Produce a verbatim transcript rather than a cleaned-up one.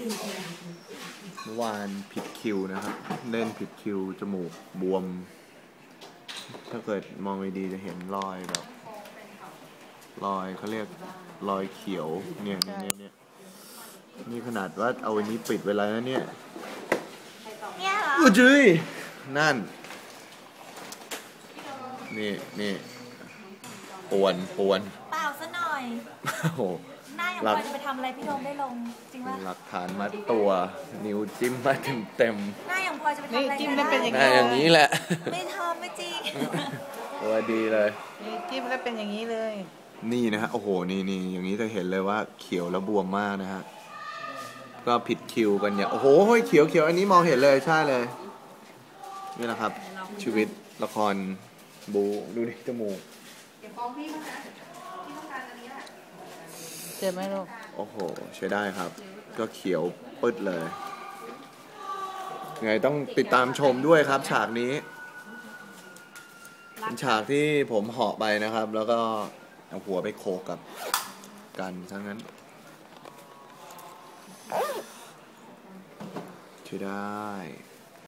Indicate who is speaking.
Speaker 1: เมื่อวานผิดคิวนะครับเล่นผิดคิวจมูกบวมถ้าเกิดมองดีๆจะเห็นรอยแบบรอยเขาเรียกรอยเขียวเนี่ยเนี่ยเนี่ยนี่ขนาดว่าเอาอันนี้ปิดไว้แล้วนะเนี่ย
Speaker 2: เนี่ยเหรอ
Speaker 1: อุ้ยจุ้ยนั่นนี่นี่ปวนปวน
Speaker 2: เปล่าซะหน่อย
Speaker 1: โอ้โห
Speaker 2: หน้าอย่างพอจะไปทำอะไรพี่โดมได้ลงจริงป่ะ
Speaker 1: หลักฐานมัดตัวนิ้วจิ้มมาเต็มเต็ม
Speaker 2: หน้าอย่างพอจะไปทำอะไร
Speaker 3: จิ้มแล้วเป็นอย่าง
Speaker 1: นี้อย่างนี้แหละ
Speaker 2: ไม่ทำไม่จริง
Speaker 1: ตัวดีเลย
Speaker 3: จิ้มแล้วเป็นอย่างนี้เลย
Speaker 1: นี่นะฮะโอ้โหนี่นี่อย่างนี้จะเห็นเลยว่าเขียวแล้วบวมมากนะฮะก็ผิดคิวกันอย่างโอ้โหเขียวเขียวอันนี้มองเห็นเลยใช่เลยนี่แหละครับชีวิตละครบูดูดิจมูก
Speaker 2: เดี๋ยวฟ้องพี่มานะพี่ต้องการอันนี้แหละ
Speaker 3: เจ็บไหมลูก
Speaker 1: โอ้โหใช้ได้ครับก็เขียวปึ๊ดเลยไงต้องติดตามชมด้วยครับฉากนี้เป็นฉากที่ผมเหาะไปนะครับแล้วก็เอาหัวไปโขกกับกันทั้งนั้นใช้ได้